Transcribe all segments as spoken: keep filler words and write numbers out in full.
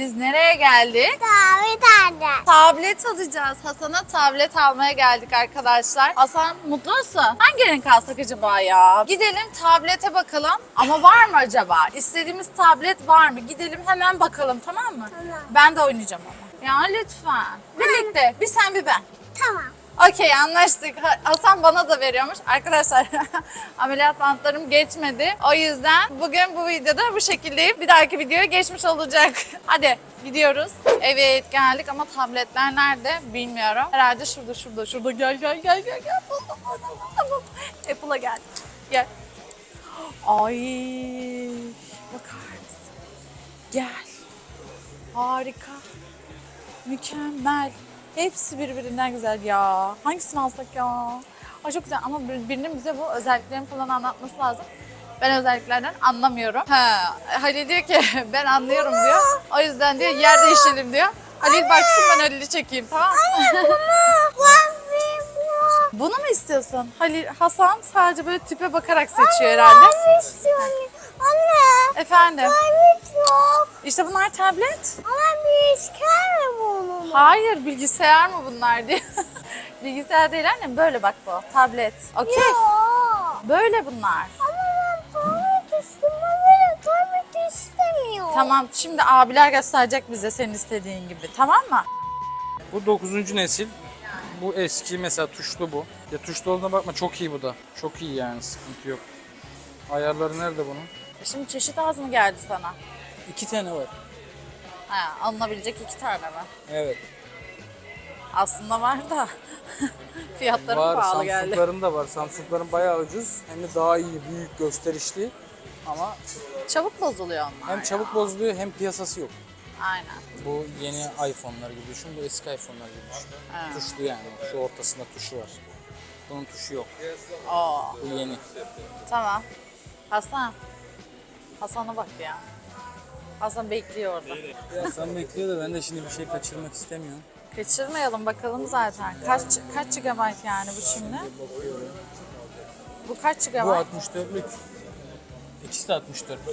biz nereye geldik? Tablet alacağız. Tablet alacağız. Hasan'a tablet almaya geldik arkadaşlar. Hasan mutlu musun? Hangi renk alsak acaba ya? Gidelim tablete bakalım. Ama var mı acaba? İstediğimiz tablet var mı? Gidelim hemen bakalım, tamam mı? Tamam. Ben de oynayacağım ama. Ya lütfen. Birlikte. Bir sen bir ben. Tamam. Okey, anlaştık. Ha- Hasan bana da veriyormuş. Arkadaşlar ameliyat bantlarım geçmedi. O yüzden bugün bu videoda bu şekildeyim. Bir dahaki videoya geçmiş olacak. Hadi gidiyoruz. Evet geldik ama tabletler nerede bilmiyorum. Herhalde şurada şurada şurada. Gel gel gel gel gel. Buldum, buldum, buldum. Apple'a geldik. Gel. Ay bakar mısın? Gel. Harika. Mükemmel. Hepsi birbirinden güzel ya. Hangisini alsak ya? Ay çok güzel ama bir- birinin bize bu özelliklerini falan anlatması lazım. Ben özelliklerden anlamıyorum. Ha, Halil diyor ki ben anlıyorum diyor. O yüzden diyor yer değişelim diyor. Halil baksın, ben Halil'i çekeyim, tamam mı? Bunu mu istiyorsun? Halil, Hasan sadece böyle tipe bakarak seçiyor herhalde. Ben istiyorum. Anne. Efendim? Tablet yok. İşte bunlar tablet. Ama bilgisayar mı bunu? Hayır, bilgisayar mı bunlar diye. Bilgisayar değil annem, böyle bak bu. Tablet. Okey. Yok. Böyle bunlar. Ama ben tablet istiyorum. Ben tablet istemiyorum. Tamam, şimdi abiler gösterecek bize senin istediğin gibi, tamam mı? Bu dokuzuncu nesil. Bu eski, mesela tuşlu bu. Ya tuşlu olduğuna bakma, çok iyi bu da. Çok iyi yani, sıkıntı yok. Ayarları nerede bunun? Şimdi çeşit az mı geldi sana? İki tane var. Ha, alınabilecek iki tane mi? Evet. Aslında var da fiyatları Var, pahalı geldi. Samsung'ların da var. Samsung'ların bayağı ucuz. Hem de daha iyi, büyük, gösterişli. Ama Çabuk bozuluyor onlar hem ya. çabuk bozuluyor hem piyasası yok. Aynen. Bu yeni iPhone'lar gibi düşün, bu eski iPhone'lar gibi düşün. Ha. Tuşlu yani, şu ortasında tuşu var. Bunun tuşu yok. Oo, Bu yeni. tamam. Hasan. Hasan'a bak ya. Hasan bekliyor orada. Ya sen bekliyor da ben de şimdi bir şey kaçırmak istemiyorum. Kaçırmayalım bakalım zaten. Kaç kaç gigabayt yani bu şimdi? Bakıyorum. Bu kaç Bu gigabayt? altmış dörtlük. İkisi de altmış dörtlük.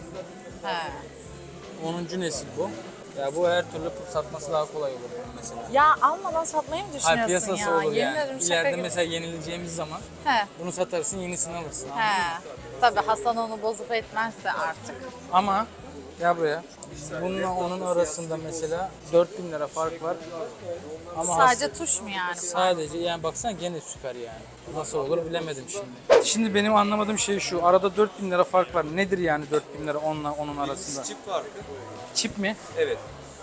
He. onuncu nesil bu. Ya bu her türlü satması daha kolay olur mesela. Ya almadan satmayı mı Hayır, düşünüyorsun piyasası ya? olur Yemin yani. ederim şaka İleride gibi. mesela yenileceğimiz zaman He. bunu satarsın, yenisini alırsın. anladın mı? He. Tabii Hasan onu bozup etmezse artık. Ama ya buraya bununla onun arasında mesela dört bin lira fark var. Ama Sadece has- tuş mu yani? sadece yani baksana gene süper yani. Nasıl olur bilemedim şimdi. Şimdi benim anlamadığım şey şu. Arada dört bin lira fark var. Nedir yani dört bin lira onunla onun arasında? Çip farkı. Çip mi? Evet.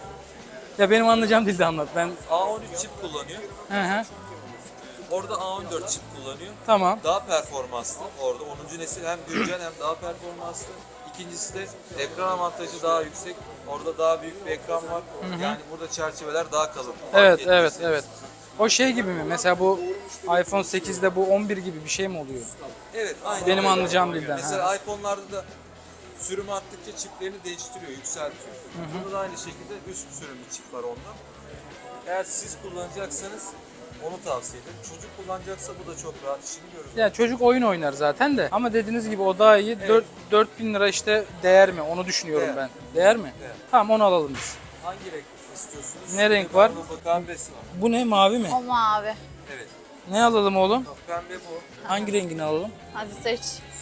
Ya benim anlayacağım dilde anlat. Ben A on üç çip kullanıyor. hı hı. Orada A on dört çip kullanıyor. Tamam. Daha performanslı. Orada onuncu nesil hem güncel hem daha performanslı. İkincisi de ekran avantajı daha yüksek. Orada daha büyük bir ekran var. Yani burada çerçeveler daha kalın. Evet, Fark evet, ettiyseniz. evet. O şey gibi mi? Mesela bu iPhone sekizde bu on bir gibi bir şey mi oluyor? Evet, aynen. Benim öyle. anlayacağım dilden, Mesela iPhone'larda da sürüm arttıkça çiplerini değiştiriyor, yükseltiyor. Burada da aynı şekilde üst sürümlü çip var onda. Eğer siz kullanacaksanız onu tavsiye ederim. Çocuk kullanacaksa bu da çok rahat işini görür. Ya çocuk oyun oynar zaten de. Ama dediğiniz gibi o daha iyi. Evet. dört dört bin lira işte değer mi? Onu düşünüyorum Değer. ben. Değer mi? Değer. Tamam, onu alalım biz. Hangi renk istiyorsunuz? Ne renk var? Pembesi var. Bu ne, mavi mi? O mavi. Evet. Ne alalım oğlum? Pembe bu. Hangi rengini alalım? Hadi seç.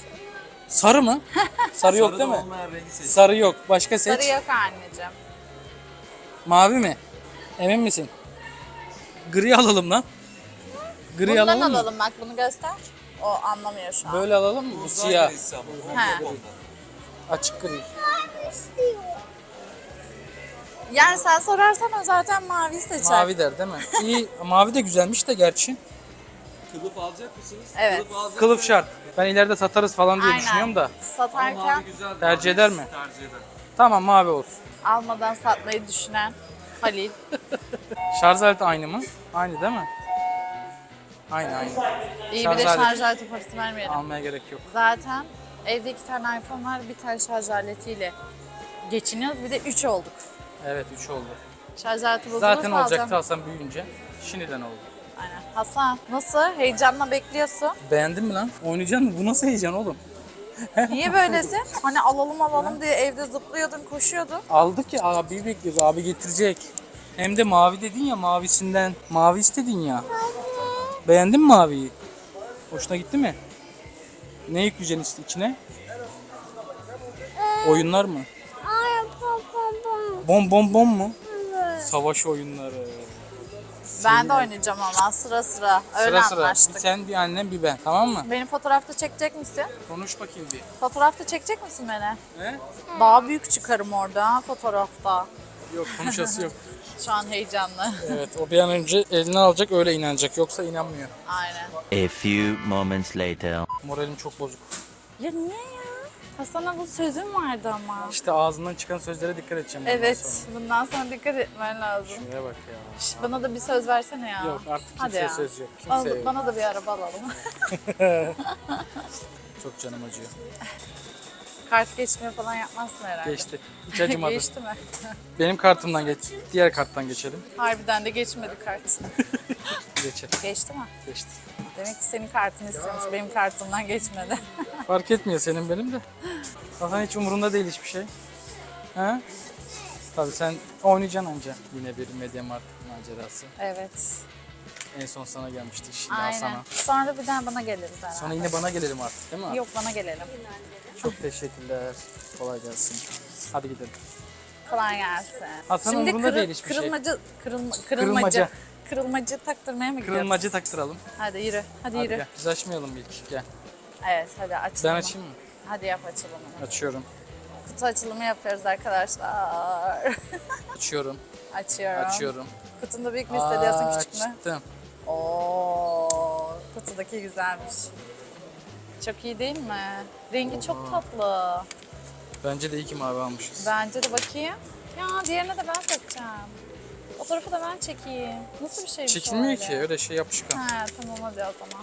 Sarı mı? Sarı yok Sarıda değil mi? olmayan rengi seç. Sarı yok. Başka seç. Sarı yok anneciğim. Mavi mi? Emin misin? Gri alalım lan. Gri Bundan alalım mı? alalım bak, bunu göster. O anlamıyor şu an. Böyle alalım mı? Bu Uzay siyah. grisi ama. He. Ondan. Açık gri. Ben istiyorum. Yani sen sorarsan o zaten maviyi seçer. Mavi der değil mi? İyi. Mavi de güzelmiş de gerçi. Kılıf alacak mısınız? Evet. Kılıf, alacaksanız- Kılıf şart. Ben ileride satarız falan diye Aynen. düşünüyorum da. Ama Satarken mavi güzel. Tercih eder mi? Tercih eder. Tamam, mavi olsun. almadan satmayı düşünen Halil. Şarj aleti aynı mı? Aynı değil mi? Aynı aynı. İyi Şarj bir de aleti. şarj aleti parası vermeyelim. Almaya gerek yok. Zaten evde iki tane iPhone var, bir tane şarj aletiyle geçiniyoruz. Bir de üç olduk. Evet, üç oldu. Şarj aleti bozulursa Zaten alacağım. olacaktı Hasan büyüyünce. Şimdiden oldu. Aynen. Hasan nasıl? Heyecanla bekliyorsun. Beğendin mi lan? Oynayacaksın mı? Bu nasıl heyecan oğlum? Niye böylesin? Hani alalım alalım diye evde zıplıyordun, koşuyordun. Aldık ya, abi bekliyoruz. Abi getirecek. Hem de mavi dedin ya, mavisinden. Mavi istedin ya. Beğendin mi maviyi? Hoşuna gitti mi? Ne yükleyeceksin içine? Oyunlar mı? Ay pom pom pom. Bom bom bom mu? Evet. Savaş oyunları. Ben de oynayacağım ama sıra sıra. Öyle Sıra sıra. Bir anlaştık. sen, bir annem, bir ben. Tamam mı? Beni fotoğrafta çekecek misin? Konuş bakayım bir. Fotoğrafta çekecek misin beni? He? Daha büyük çıkarım orada ha, fotoğrafta. Yok, konuşası yok. Şu an heyecanlı. Evet, o bir an önce eline alacak, öyle inanacak. Yoksa inanmıyor. Aynen. A few moments later. Moralim çok bozuk. Ya niye ya? Hasan'a bu sözüm vardı ama. İşte ağzından çıkan sözlere dikkat edeceğim. bundan Evet, sonra. bundan sonra dikkat etmen lazım. Şuraya bak ya. Şş, bana da bir söz versene ya. Yok, artık Hadi kimseye ya. söz yok. Bana, Kimseye yok. bana da bir araba alalım. Çok canım acıyor. Kart geçme falan yapmazsın herhalde. Geçti. Hiç acımadı. Geçti mi? Benim kartımdan geç. Diğer karttan geçelim. Harbiden de geçmedi kart. Geçelim. Geçti mi? Geçti. Demek ki senin kartını istiyormuş. Benim kartımdan geçmedi. Fark etmiyor senin benim de. Hasan hiç umurunda değil hiçbir şey. He? Tabii sen oynayacaksın anca. Yine bir Mediamarkt macerası. Evet. En son sana gelmişti, şimdi Aynen. Hasan'a. Sonra bir daha bana geliriz herhalde. Sonra yine bana gelelim artık, değil mi? Yok, bana gelelim. Çok teşekkürler. Kolay gelsin. Hadi gidelim. Kolay gelsin. Hasan'ın Şimdi umurunda kırı- değil hiçbir şey. kırılmacı, kırılma, kırılmacı, Kırılmaca. kırılmacı taktırmaya mı gidiyoruz? Kırılmacı taktıralım. Hadi yürü, hadi, Hadi yürü. gel. Biz açmayalım ilk. Gel. Evet, hadi açalım. Ben açayım mı? Hadi yap açılımını. Açıyorum. Kutu açılımı yapıyoruz arkadaşlar. Açıyorum. Açıyorum. Açıyorum. Kutunda büyük mü hissediyorsun, küçük mü? Açtım. Oo, kutudaki güzelmiş. Çok iyi değil mi? Rengi çok tatlı. Bence de iyi ki mavi almışız. Bence de bakayım. Ya diğerine de ben takacağım. O tarafı da ben çekeyim. Nasıl bir şeymiş o Çekilmiyor öyle? ki, öyle şey yapışkan. He tamam hadi o zaman.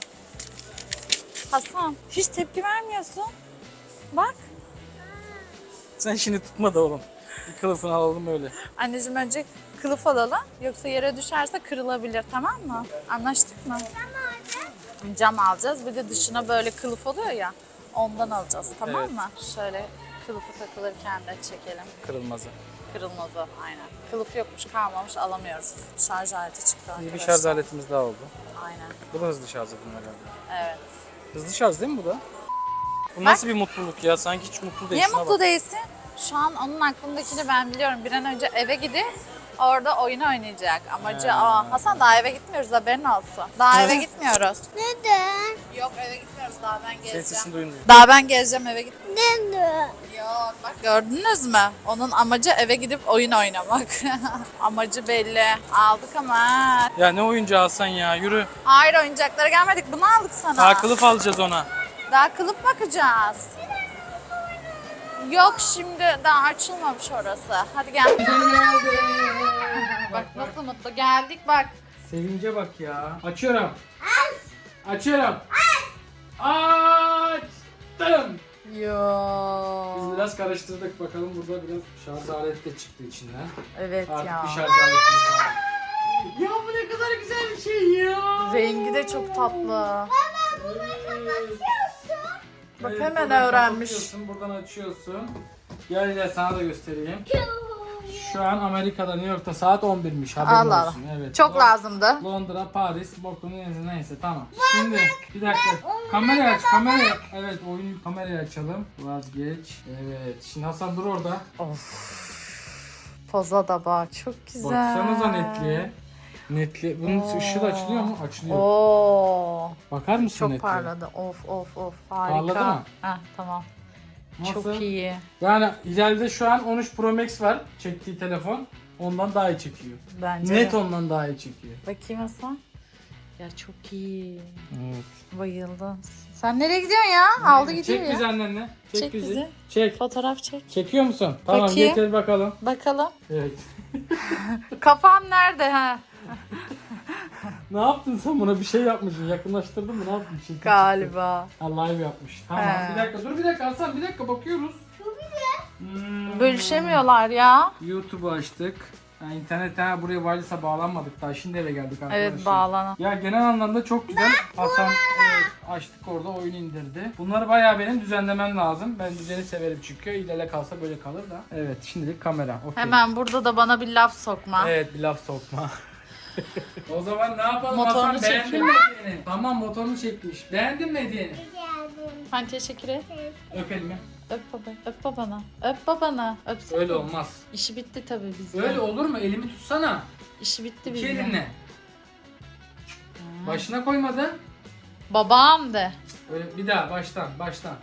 Hasan hiç tepki vermiyorsun. Bak. Sen şimdi tutma da oğlum. Bir kılıfını alalım öyle. Anneciğim önce kılıf alalım. Yoksa yere düşerse kırılabilir, tamam mı? Anlaştık mı? Cam alacağız. Bir de dışına böyle kılıf oluyor ya. Ondan alacağız, tamam Evet. mı? Şöyle kılıfı takılırken de çekelim. Kırılmazı. Kırılmazı aynen. Kılıf yokmuş, kalmamış, alamıyoruz. Şarj aleti çıktı İyi bir arkadaşlar. şarj aletimiz daha oldu. Aynen. Bu da hızlı şarj edin herhalde. Evet. Hızlı şarj değil mi bu da? Bu nasıl bir mutluluk ya? Sanki hiç mutlu değil. Niye Şuna mutlu bak. değilsin? Şu an onun aklındakini ben biliyorum. Bir an önce eve gidip orada oyun oynayacak. Amacı aa, Hasan daha eve gitmiyoruz, haberin olsun. Daha eve gitmiyoruz. Neden? Yok eve gitmiyoruz, daha ben Senin geleceğim. sesini duymuyor. Daha ben geleceğim, eve gitmiyorum. Neden? Yok bak gördünüz mü? Onun amacı eve gidip oyun oynamak. Amacı belli. Aldık ama. Ya ne oyuncağı Hasan ya, yürü. Hayır oyuncaklara gelmedik, bunu aldık sana. Daha kılıf alacağız ona. Daha kılıf bakacağız. Yok şimdi daha açılmamış orası. Hadi gel. Bak nasıl mutlu geldik bak. Sevince bak ya. Açıyorum. Açıyorum. Açtım. Yo. Biz biraz karıştırdık, bakalım burada biraz şarj aleti de çıktı içinden. Evet Artık ya. bir şarj aletimiz var. Ya bu ne kadar güzel bir şey ya. Rengi de çok tatlı. Bak Evet, hemen buradan öğrenmiş. kapatıyorsun, buradan açıyorsun. Gel gel sana da göstereyim. Şu an Amerika'da, New York'ta saat on birmiş, haberin Allah Allah. olsun. Evet. Çok Lon- lazımdı. Londra, Paris, bokunu neyse, neyse tamam. Şimdi bir dakika. Kamerayı aç, kamerayı. Evet, oyun kamerayı açalım. Vazgeç. Evet. Şimdi Hasan dur orada. Poza da bak çok güzel. Baksanıza netliğe. Netli. Bunun ışığı da açılıyor mu? Açılıyor. Oo. Bakar mısın Çok netliğe? parladı. Of of of harika. Parladı mı? Heh, tamam. Nasıl? Çok iyi. Yani ileride şu an on üç Pro Max var çektiği telefon. Ondan daha iyi çekiyor. Bence Net de. ondan daha iyi çekiyor. Bakayım Hasan. Ya çok iyi. Evet. Bayıldım. Sen nereye gidiyorsun ya? Aldı gidiyor Çek ya. bizi annenle. Çek, Çek bizi. bizi. Çek. Fotoğraf çek. Çekiyor musun? Tamam, Bakayım. getir bakalım. Bakalım. Evet. Kafam nerede ha? Ne yaptın sen buna? Bir şey yapmışsın. Yakınlaştırdın mı? Ne yaptın? Çekil, Galiba. çekil. Ha, live yapmış. Tamam. He. Bir dakika. Dur bir dakika Hasan. Bir dakika bakıyoruz. Hmm. Bölüşemiyorlar ya. YouTube'u açtık. Yani internete ha, buraya wireless'a bağlanmadık daha. Şimdi eve geldik arkadaşlar. Evet bağlanan. Ya genel anlamda çok güzel. Hasan evet. Açtık orada oyun indirdi. Bunları bayağı benim düzenlemem lazım. Ben düzeni severim çünkü. İlele kalsa böyle kalır da. Evet şimdilik kamera. Okay. Hemen burada da bana bir laf sokma. Evet bir laf sokma. O zaman ne yapalım Motorunu Hasan? Beğendin çekiyor. mi hediyeni? Tamam motorunu çekmiş. Beğendin mi hediyeni? Geldim. Hani teşekkür et. Öp elimi. Öp baba. Öp babana. Öp babana. Öpsene. Öyle olmaz. İşi bitti tabii bizde. Öyle olur mu? Elimi tutsana. İşi bitti İki bizde. elinle. Başına koymadın. Babam de. Öyle bir daha baştan baştan.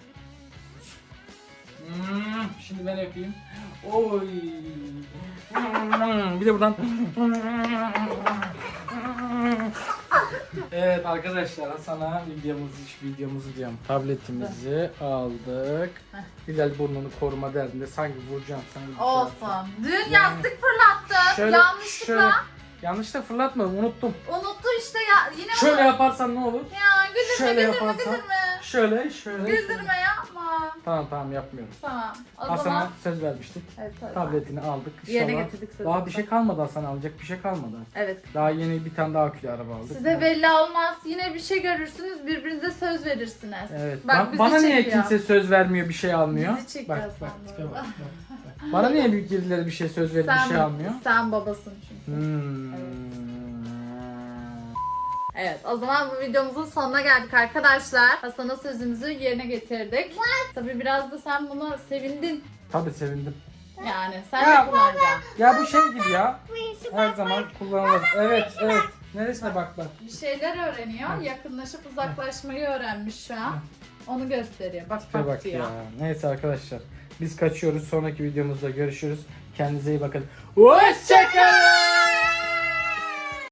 Hmm, şimdi ben öpeyim. Oy. Bir de buradan. Evet arkadaşlar sana videomuzu videomuzu diyorum. Tabletimizi aldık. Hilal burnunu koruma derdinde sanki vuracağım sanki. Olsun. Dün yastık fırlattın. Yanlışlıkla. şöyle, yanlışlıkla fırlatmadım unuttum. Unuttu işte ya. Yine Şöyle onu- yaparsan ne olur? Ya güldürme Şöyle güldürme yaparsan. güldürme. Şöyle şöyle. Güldürme yapma. Tamam tamam yapmıyorum. Tamam. O Hasan'a zaman. söz vermiştik. Evet, evet. Tabletini aldık. Yerine İnşallah. getirdik sözümüzü. Daha bir şey kalmadı Hasan alacak bir şey kalmadı. Evet. Daha yeni bir tane daha akülü araba aldık. Size belli olmaz. Yine bir şey görürsünüz. Birbirinize söz verirsiniz. Evet. Bak Ba- bizi bana niye çekiyor. kimse söz vermiyor bir şey almıyor? Bizi çekiyor Bak bak, sandım. tipe bak, bak, bak. Bana niye birileri bir şey söz verip bir şey almıyor? Sen babasın çünkü. Hmm. Evet, o zaman bu videomuzun sonuna geldik arkadaşlar. Hasan'a sözümüzü yerine getirdik. Tabii biraz da sen buna sevindin. Tabii sevindim. Yani sen Ya. de kullanacaksın. Ya bu şey gibi ya. Birisi Her zaman kullanılır. Evet evet. Neresine bak bak. Bir şeyler öğreniyor. Yakınlaşıp uzaklaşmayı öğrenmiş şu an. Onu gösteriyor. Bak Tipe bak bak diyor. ya. Neyse arkadaşlar. Biz kaçıyoruz. Sonraki videomuzda görüşürüz. Kendinize iyi bakın. Hoşçakalın.